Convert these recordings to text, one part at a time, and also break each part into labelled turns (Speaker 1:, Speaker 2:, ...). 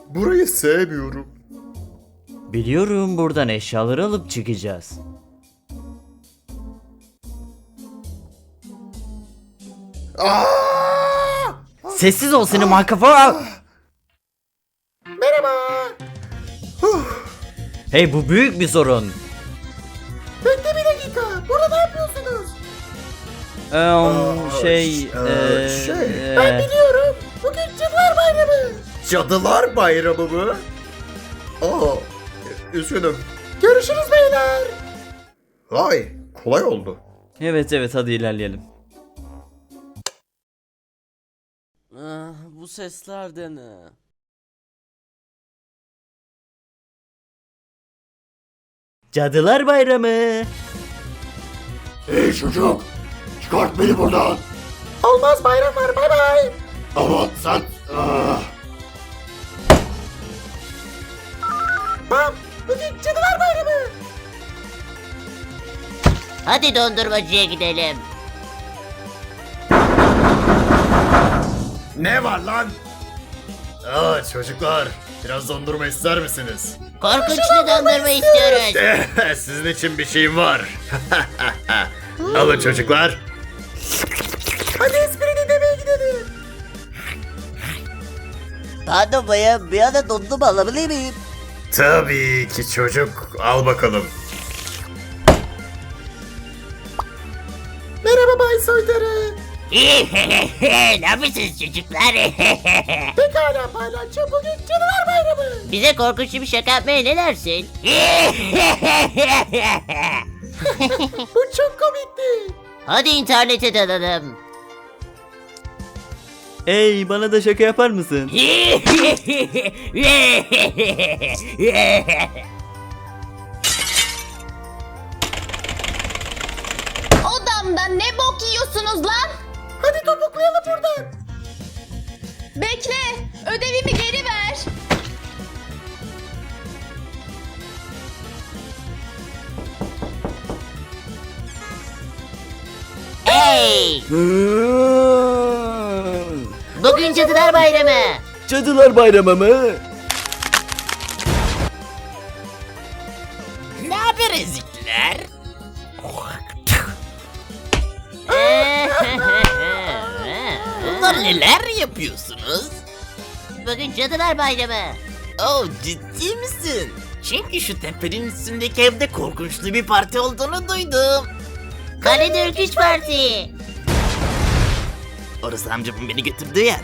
Speaker 1: Burayı sevmiyorum.
Speaker 2: Biliyorum, buradan eşyaları alıp çıkacağız.
Speaker 1: Aa!
Speaker 2: Sessiz ol seni mankafa!
Speaker 1: Merhaba.
Speaker 2: Hey, bu büyük bir sorun.
Speaker 1: Bekle bir dakika. Burada ne yapıyorsunuz? Ben biliyorum. Bugün Cadılar Bayramı. Cadılar Bayramı mı? Üzgünüm. Görüşürüz beyler. Vay, kolay oldu.
Speaker 2: Evet, hadi ilerleyelim.
Speaker 3: Bu sesler de ne?
Speaker 2: Cadılar Bayramı.
Speaker 1: Hey çocuk, çıkart beni buradan. Olmaz, bayram var, bay bay. Ama sen... Bam, bugün Cadılar Bayramı.
Speaker 4: Hadi dondurmacıya gidelim.
Speaker 1: Ne var lan? Çocuklar, biraz dondurma ister misiniz?
Speaker 4: Korkunçlu dondurma istiyoruz.
Speaker 1: Sizin için bir şeyim var. Alın çocuklar. Hadi esprini demeye gidelim.
Speaker 4: Pardon bayan, bir ara dondurma alabilir miyim?
Speaker 1: Tabii ki çocuk, al bakalım. Merhaba Bay Soytarı.
Speaker 4: Ne yapıyorsunuz çocuklar?
Speaker 1: Pekala paylaşçı, bugün Cadılar Bayramı.
Speaker 4: Bize korkunçlu bir şaka yapmaya ne dersin?
Speaker 1: Bu çok komikti.
Speaker 4: Hadi internete dalalım.
Speaker 2: Hey, bana da şaka yapar mısın?
Speaker 5: Odamda ne bok yiyorsunuz lan?
Speaker 1: Hadi topuklayalım buradan.
Speaker 5: Bekle, ödevimi geri ver.
Speaker 4: Hey! Bugün Cadılar Bayramı.
Speaker 2: Cadılar Bayramı mı?
Speaker 4: Ne haber ezikler?
Speaker 6: Bunlar neler yapıyorsunuz?
Speaker 4: Bugün Cadılar Bayramı.
Speaker 6: Oh, ciddi misin? Çünkü şu tepenin üstündeki evde korkunçlu bir parti olduğunu duydum.
Speaker 4: Kalede Ürküç Parti.
Speaker 6: Orası amcamın beni götürdüğü yer.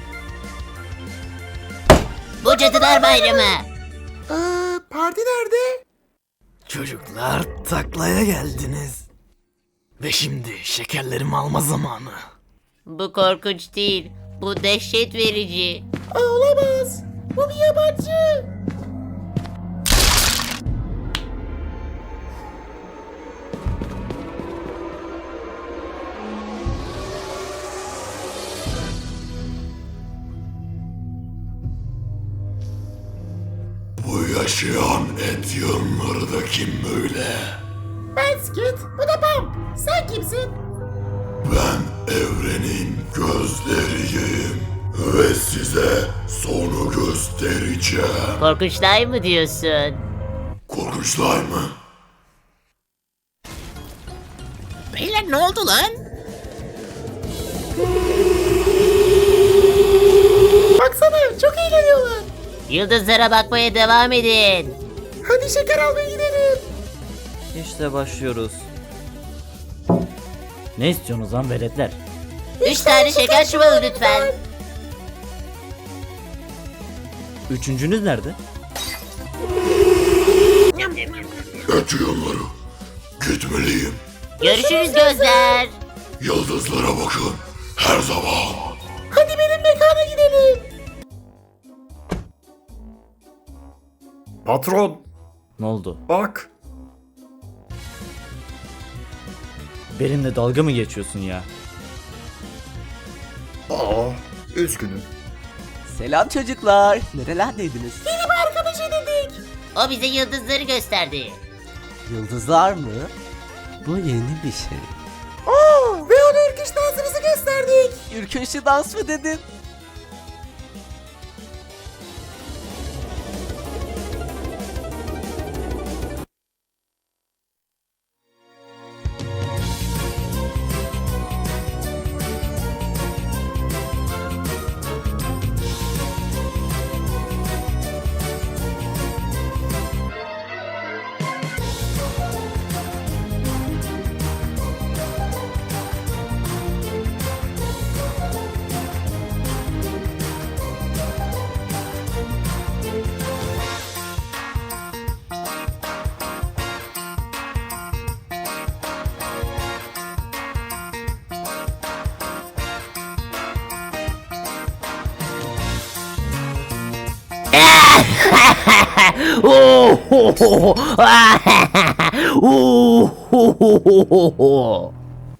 Speaker 4: Bu Cadılar Bayramı.
Speaker 1: Parti nerede?
Speaker 6: Çocuklar, taklaya geldiniz. Ve şimdi şekerlerimi alma zamanı.
Speaker 4: Bu korkunç değil. Bu dehşet verici.
Speaker 1: Olamaz. Bu bir yabancı.
Speaker 7: Bu yaşayan et yığınları da kim böyle?
Speaker 1: Ben Skit, bu da Pump. Sen kimsin?
Speaker 7: Ben evrenin gözleriyim ve size sonu göstereceğim.
Speaker 4: Korkunçlar mı diyorsun?
Speaker 7: Korkunçlar mı?
Speaker 6: Beyler, ne oldu lan?
Speaker 1: Baksana, çok eğleniyorlar.
Speaker 4: Yıldızlara bakmaya devam edin.
Speaker 1: Hadi şeker almaya gidelim.
Speaker 2: İşte başlıyoruz. Ne istiyorsunuz lan veletler?
Speaker 4: 3 tane şeker çuvalı lütfen.
Speaker 2: Üçüncünüz nerede?
Speaker 7: Et yığınları. Gitmeliyim.
Speaker 4: Görüşürüz gözler.
Speaker 7: Yıldızlara bakın. Her zaman.
Speaker 1: Hadi benim mekana gidelim. Patron,
Speaker 2: Ne oldu?
Speaker 1: bak.
Speaker 2: Benimle dalga mı geçiyorsun ya?
Speaker 1: Üzgünüm.
Speaker 3: Selam çocuklar. Nerelerdeydiniz?
Speaker 1: Arkadaş edindik.
Speaker 4: O bize yıldızları gösterdi.
Speaker 3: Yıldızlar mı? Bu yeni bir şey.
Speaker 1: Ve ona ürküş dansımızı gösterdik.
Speaker 3: Ürkünçlü dans mı dedin?
Speaker 6: Oh, ho, ho, ho. Ah, oh, ho, ho, ho, ho.